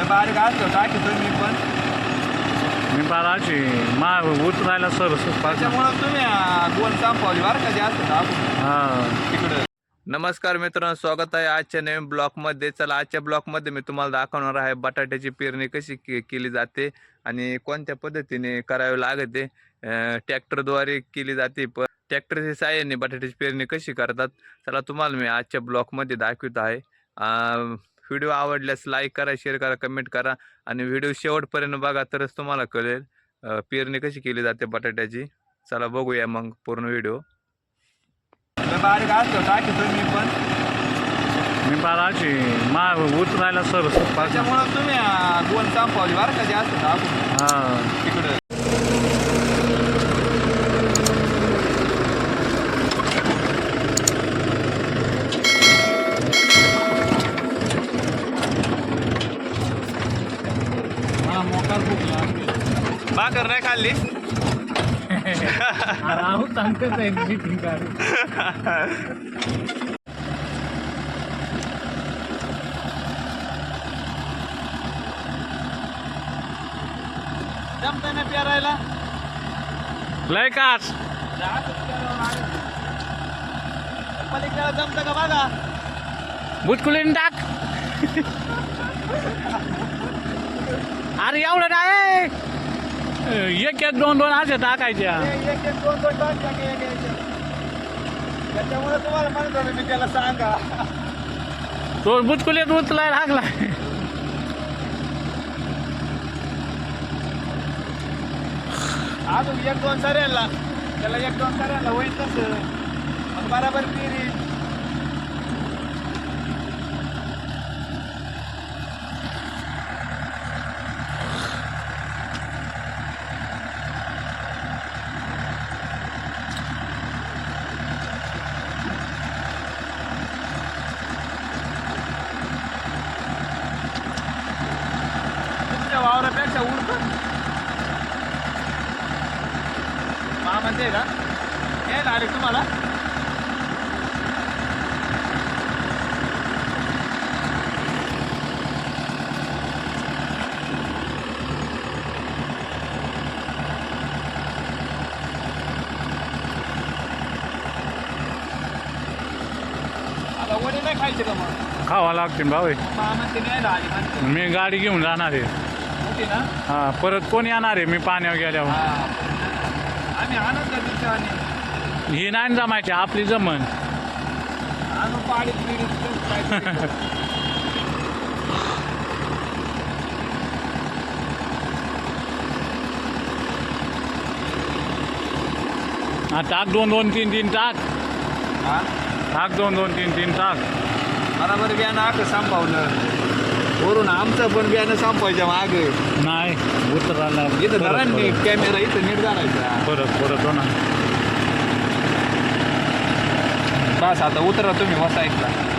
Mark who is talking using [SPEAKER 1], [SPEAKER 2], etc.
[SPEAKER 1] बारीक असलं टाकीतो मी पण.
[SPEAKER 2] मी बाराची मा उतरायला सर
[SPEAKER 1] त्याच्यामुळं तुम्ही दोन संपवली बरं का जास्त आपण
[SPEAKER 2] हां.
[SPEAKER 1] तिकडं. नमस्कार मित्रांनो, स्वागत आहे आजच्या नवीन ब्लॉगमध्ये. चला, आजच्या ब्लॉगमध्ये मी तुम्हाला दाखवणार आहे बटाट्याची पेरणी कशी केली जाते आणि कोणत्या पद्धतीने करावी लागते. ट्रॅक्टरद्वारे केली जाते, पण ट्रॅक्टरच्या साहाय्याने बटाट्याची पेरणी कशी करतात चला तुम्हाला मी आजच्या ब्लॉगमध्ये दाखवत आहे. व्हिडिओ आवडल्यास लाईक करा, शेअर करा, कमेंट करा आणि व्हिडिओ शेवटपर्यंत बघा तरच तुम्हाला कळेल पेरणी कशी केली जाते बटाट्याची. चला बघूया मग पूर्ण व्हिडिओ. बारीक असलं टाकीतो मी पण.
[SPEAKER 2] मी बाराची मा उतरायला सर
[SPEAKER 1] त्याच्यामुळं तुम्ही दोन संपवली बरं का जास्त आपण
[SPEAKER 2] हां.
[SPEAKER 1] तिकडं.
[SPEAKER 2] मला मोकार भूक लागली.
[SPEAKER 1] भाकर नाही खाल्ली.
[SPEAKER 2] राहू सांगतेच आहे मीटिंग काढू.
[SPEAKER 1] जमतंय ना पेरायला.
[SPEAKER 2] लय काच
[SPEAKER 1] पलीकडे जमतं का बघा.
[SPEAKER 2] बुचकुलीन टाक. अरे एवढं नाही, एक एक दोन दोन असे टाकायच्या.
[SPEAKER 1] एक एक दोन दोन टाक त्याच्यामुळे तुम्हाला म्हणतो मी त्याला सांगा.
[SPEAKER 2] तो बुचकुलीत उचलायला लागलाय.
[SPEAKER 1] अजून एक दोन सऱ्याला त्याला एक दोन सऱ्याला होईल तसं मग बराबर पेरी. वावरापेक्षा उडत म्हणते का हे डायरेक्ट तुम्हाला. आता वडे नाही खायचे का मग.
[SPEAKER 2] खावा लागते भाऊ.
[SPEAKER 1] म्हणते नाही राहिली म्हणते
[SPEAKER 2] मी गाडी घेऊन जाणार आहे.
[SPEAKER 1] होती ना.
[SPEAKER 2] हा, परत कोण येणार आहे मी पाण्यावर गेल्यावर.
[SPEAKER 1] आम्ही आणत का दिवसाने
[SPEAKER 2] ही नाही जमायची आपली जमन.
[SPEAKER 1] आणून पाडीत पिडीत
[SPEAKER 2] हा, टाक दोन दोन तीन तीन टाक. टाक दोन दोन तीन तीन टाक.
[SPEAKER 1] बरोबर बियाणं आग संपवलं वरून आमचं पण बियाणं संपवायच्या मागे
[SPEAKER 2] नाही उतरायला
[SPEAKER 1] इथं धरा नीट कॅमेरा इथं नीट धरायचा.
[SPEAKER 2] परत हो ना.
[SPEAKER 1] बस आता उतरा तुम्ही वसायचा.